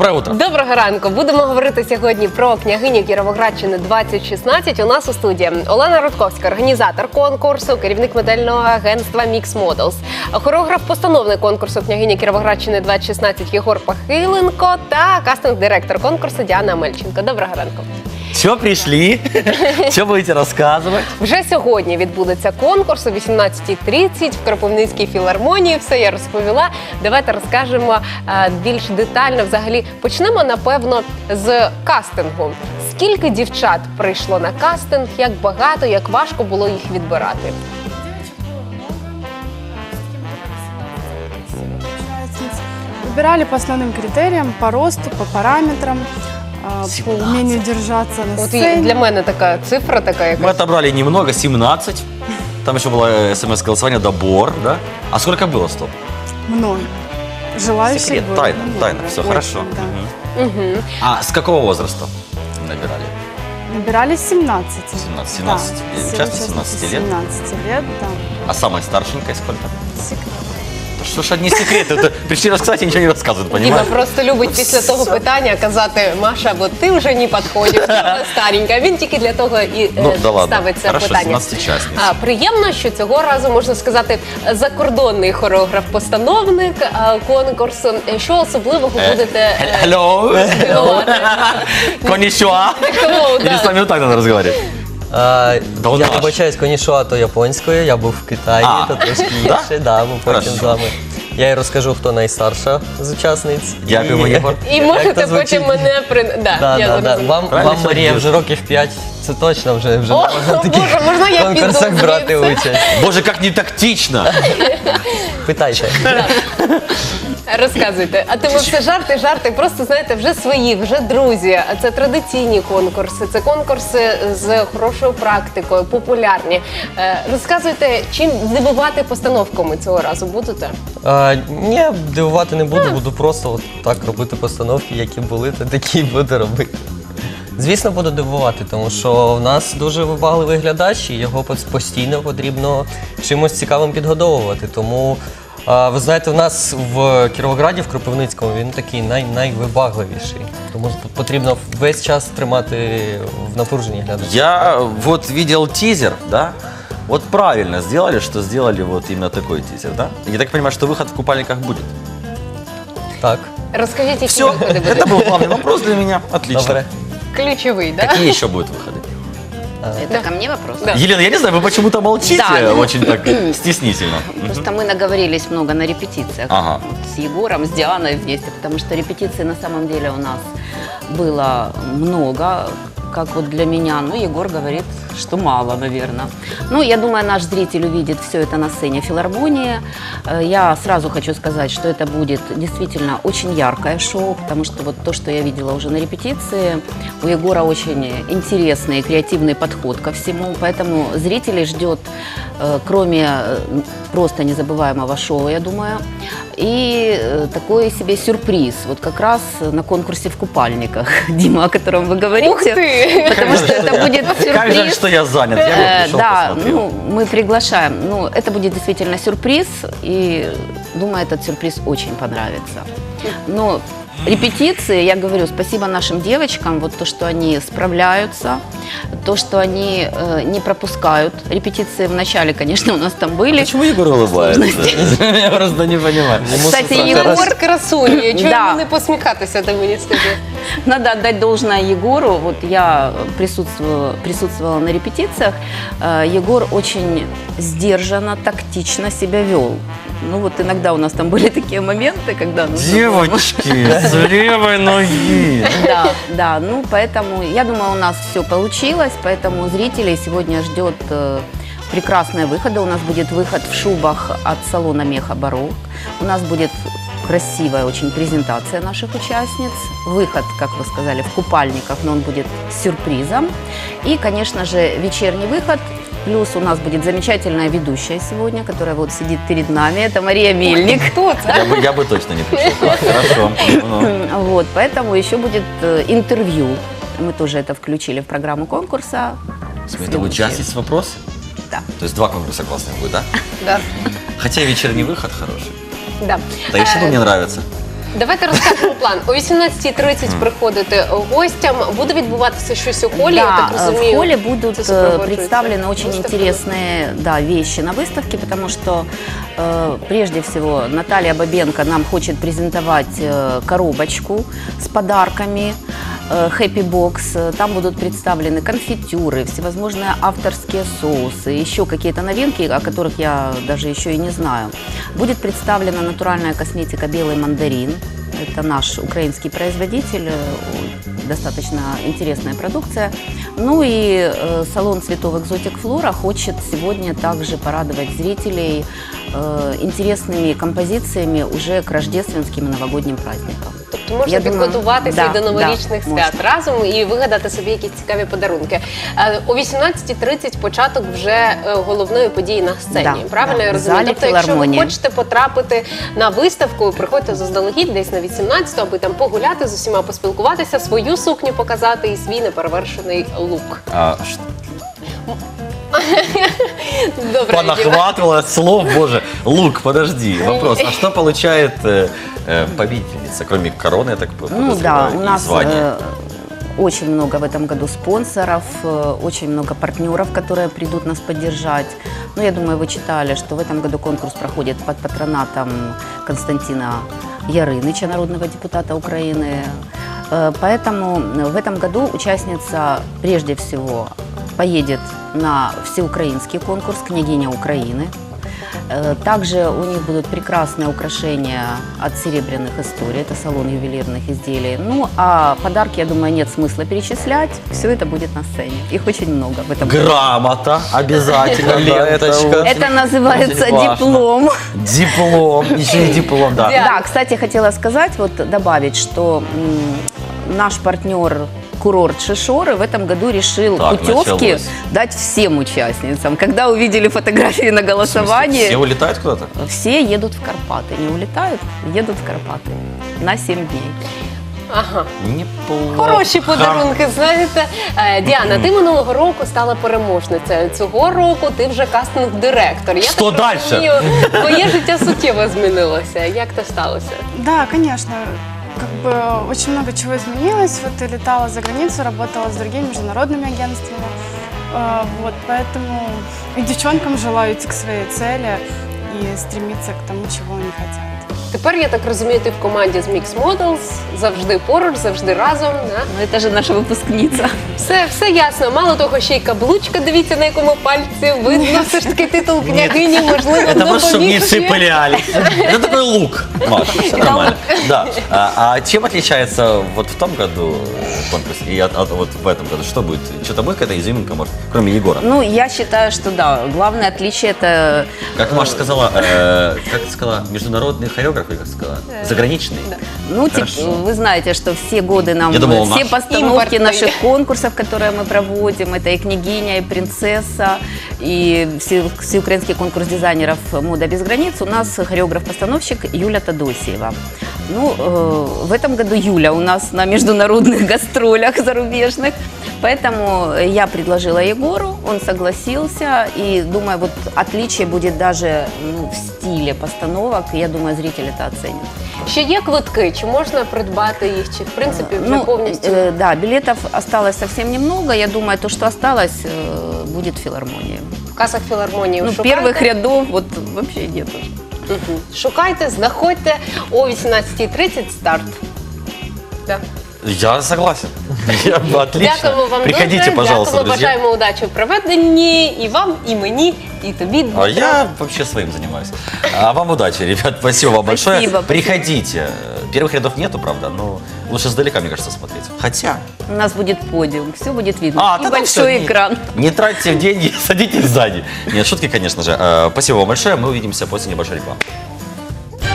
Доброе утро. Доброго ранку. Будемо говорити сьогодні про княгиню Кіровоградщини 2016. У нас у студії Олена Рудковська, організатор конкурсу, керівник модельного агентства Mix Models, хореограф-постановник конкурсу княгиня Кіровоградщини 2016 Єгор Пахиленко та кастинг-директор конкурсу Діана Мельченко. Доброго ранку. Все, пришли? Что будете рассказывать? Вже сьогодні відбудеться конкурс о 18:30 в Кропивницькій філармонії. Все я розповіла. Давайте розкажемо більш детально. Взагалі почнемо, напевно, з кастингу. Скільки дівчат прийшло на кастинг, як багато, як важко було їх відбирати? Выбирали по основным критериям, по росту, по параметрам, по умению держаться на От і сцене. для мене така цифра така Мы якась. отобрали немного, 17. Там еще было смс-голосование, добор, да? А сколько было, стоп? Много. Желающих Секрет, было тайна, много. тайна, все Очень, хорошо. да. Мгм. А с какого возраста набирали? Набирали 17. 17. Да, Участницы 17 лет? 17 лет, да. А самая старшенькая сколько? Секрет. Что ж одни секреты? Это пришли рассказать и ничего не рассказывают, Діма понимаешь? просто любить після того питання казати: Маша, бо ти вже не підходиш, старенька. Він тільки для того і Ну, да ладно. ставить це Хорошо, питання. 17 учасниць. Приємно, що цього разу, можна сказати, закордонний хореограф-постановник конкурсу. Що особливого будете Hello? співати? Конничуа? Hello, Или да. с вами вот так надо разговаривать? Да он Я наш. вибачаюсь, конішуа то японською, я був в Китаї, А. то трошки Да? інше, да, ми потім Хорошо. з вами. Я й розкажу, хто найстарша з учасниць. Дякуємо, Єгор. І Як можете то звучить? потім мене Да, я да, да. зрозуміла. Вам Правильно Марія все вже років 5, це точно вже О, не можна в таких Боже, можна я піду конкурсах брати звідси? участь. Боже, как не тактично! Питайте. Розказуйте. А тому все жарти, просто, знаєте, вже свої, вже друзі. Це традиційні конкурси, це конкурси з хорошою практикою, популярні. Розказуйте, чим здивувати постановками цього разу будете? Ні, дивувати не буду, буду просто от так робити постановки, які були, то такі й буду робити. Звісно, буду дивувати, тому що в нас дуже вибагливий глядач, і його постійно потрібно чимось цікавим підгодовувати. Тому, ви знаєте, в нас в Кіровограді, в Кропивницькому, він такий найвибагливіший. Тому потрібно весь час тримати в напруженні глядача. Я вот видел тизер, да? Вот правильно сделали, что сделали вот именно такой тизер, да? Я так понимаю, что выход в купальниках будет. Так, Розкажіть, які Все, виходи это будуть. был главный вопрос для меня. Отлично. добре. Ключовий, так? Какие еще будут выходы? Это ко мне вопрос? Да. Елена, я не знаю, вы почему-то молчите Да, ну, очень так стеснительно. Просто мы наговорились много на репетициях Ага. вот с Егором, с Дианой вместе, потому что репетиций на самом деле у нас было много, как вот для меня. Ну, Егор говорит, что мало, наверное. Ну, я думаю, наш зритель увидит все это на сцене филармонии. Я сразу хочу сказать, что это будет действительно очень яркое шоу, потому что вот то, что я видела уже на репетиции, у Егора очень интересный и креативный подход ко всему, поэтому зрителей ждет, кроме просто незабываемого шоу, я думаю, и такой себе сюрприз, вот как раз на конкурсе в купальниках, Дима, о котором вы говорите. Ух ты! Потому что это будет Как жаль, сюрприз. что я занят. Я бы пришел, Да, посмотрел. ну, мы приглашаем. Ну, это будет действительно сюрприз, и думаю, этот сюрприз очень понравится. Но репетиции, я говорю, спасибо нашим девочкам, вот то, что они справляются, то, что они не пропускают. Репетиции в начале, конечно, у нас там были. Почему Егор улыбается? Я просто не понимаю. Кстати, Єгор красунь, чого Да. йому не посміхатися, ти мені скажи. Надо отдать должное Егору. Вот я присутствовала на репетициях. Егор очень сдержанно, тактично себя вел. Ну вот иногда у нас там были такие моменты, когда... Девочки, с левой ноги. Да, да, ну поэтому, я думаю, у нас все получилось, поэтому зрителей сегодня ждет прекрасные выходы. У нас будет выход в шубах от салона Меха Барок. У нас будет красивая очень презентация наших участниц. Выход, как вы сказали, в купальниках, но он будет с сюрпризом. И, конечно же, вечерний выход. Плюс у нас будет замечательная ведущая сегодня, которая вот сидит перед нами. Это Мария Мельник. Кто це? Я бы точно не пришел. Так, хорошо. Ну. Вот, поэтому еще будет интервью. Мы тоже это включили в программу конкурса. Это участниц вопрос? Да. То есть 2 конкурса классных будет, да? Да. Хотя и вечерний выход хороший. Да. Да и что мне нравится. Давайте розкажемо план. О 18:30 приходите гостям. Буде відбуватися щось у холі, я так Да, розумію. в холле будут Це супроводжується представлены очень виставками. интересные вещи на выставке, потому что прежде всего Наталья Бабенко нам хочет презентовать коробочку с подарками, Happy Box. Там будут представлены конфитюры, всевозможные авторские соусы, еще какие-то новинки, о которых я даже еще и не знаю. Будет представлена натуральная косметика «Белый мандарин». Это наш украинский производитель, достаточно интересная продукция. Ну и салон цветов «Экзотик Флора» хочет сегодня также порадовать зрителей интересными композициями уже к рождественским и новогодним праздникам. Тобто можна Я думаю, підготуватися да, і до новорічних да, свят можна. разом і вигадати собі якісь цікаві подарунки. О 18:30 початок вже головної події на сцені. Да, Правильно да, я в розумію? залі Тобто, якщо ви філармонії. хочете потрапити на виставку, приходьте заздалегідь десь на 18-ту, аби там погуляти з усіма, поспілкуватися, свою сукню показати і свій неперевершений лук. Добре, Діма. Понахватывала слов, боже. Лук, подожди, вопрос. А что получает победительница, кроме короны, я так Ну да, подозреваю, у и нас звания? очень много в этом году спонсоров, очень много партнеров, которые придут нас поддержать. Ну, я думаю, вы читали, что в этом году конкурс проходит под патронатом Константина Ярыныча, народного депутата Украины. Поэтому в этом году участница прежде всего поедет на всеукраинский конкурс «Княгиня Украины». Также у них будут прекрасные украшения от «Серебряных историй», это салон ювелирных изделий. Ну, а подарки, я думаю, нет смысла перечислять, все это будет на сцене. Их очень много в этом году. Грамота обязательно, Ленточка. да, Это называется очень важно. диплом. Диплом, еще и диплом, да. Да. Да, кстати, хотела сказать, вот добавить, что наш партнер курорт Шишоры в этом году решил Так, путевки началось. дать всем участницам. Когда увидели фотографии на голосовании, Все улетают куда-то? все едут в Карпаты. Не улетают, едут в Карпаты на 7 дней. Ага. Неплохо. Хороші подарунки, знаєте. Діана, ти минулого року стала переможницею. Цього року ти вже кастинг-директор. Я Що так дальше? розумію, твоє життя суттєво змінилося. Як це сталося? Да, конечно. Как бы очень много чего изменилось. Вот и летала за границу, работала с другими международными агентствами. Вот, поэтому и девчонкам желаю идти к своей цели и стремиться к тому, чего они хотят. Тепер, я так розумію, ти в команді з Mix Models, завжди поруч, завжди разом. Да? Ну, это же наша выпускница. Все ясно. Мало того, ще й каблучка, дивіться, на якому пальці. Видно все ж таки титул княгині, можливо, Это просто, чтобы не допоміг. цеплялись. Это такой лук, Маша, все нормально. Да. А чем отличается вот в том году конкурс и вот в этом году? Что будет? Что-то будет какая-то изюминка, может, кроме Егора? Ну, я считаю, что да, главное отличие это... Как Маша сказала, как ты сказала, международный хореограф, или как сказала? Заграничный? Ну, Хорошо. вы знаете, что все годы нам Я думал, все наш. постановки Импортный. наших конкурсов, которые мы проводим, это и «Княгиня», и «Принцесса», и всеукраинский конкурс дизайнеров «Мода без границ», у нас хореограф-постановщик Юля Тодосиева. Ну, в этом году Юля у нас на международных гастролях зарубежных, поэтому я предложила Егору, он согласился, и думаю, вот отличие будет даже в стиле постановок, я думаю, зритель это оценит. Ще є квитки, чи можна придбати їх, чи в принципі вже повністю? Да, билетов осталось совсем немного. Я думаю, то, что осталось, будет в филармонии. В касах філармонії Ну, шукайте. первых рядов вот вообще нет. Мгм. Шукайте, знаходьте о 18:30 старт. Да. Я согласен. Отлично. Дякуємо вам Приходите, дуже. пожалуйста, Дякуємо, друзья. бажаємо удачі в проведенні і вам, і мені, і тобі. А я вообще своим занимаюсь. А вам удачи, ребят. Спасибо вам большое. Спасибо. Приходите. Первых рядов нету, правда, но лучше сдалека, мне кажется, смотреть. Хотя... У нас будет подиум, все будет видно. А, И да там большой всё, экран. Не тратьте деньги, садитесь сзади. Нет, шутки, конечно же. Спасибо вам большое. Мы увидимся после небольшой рекламы.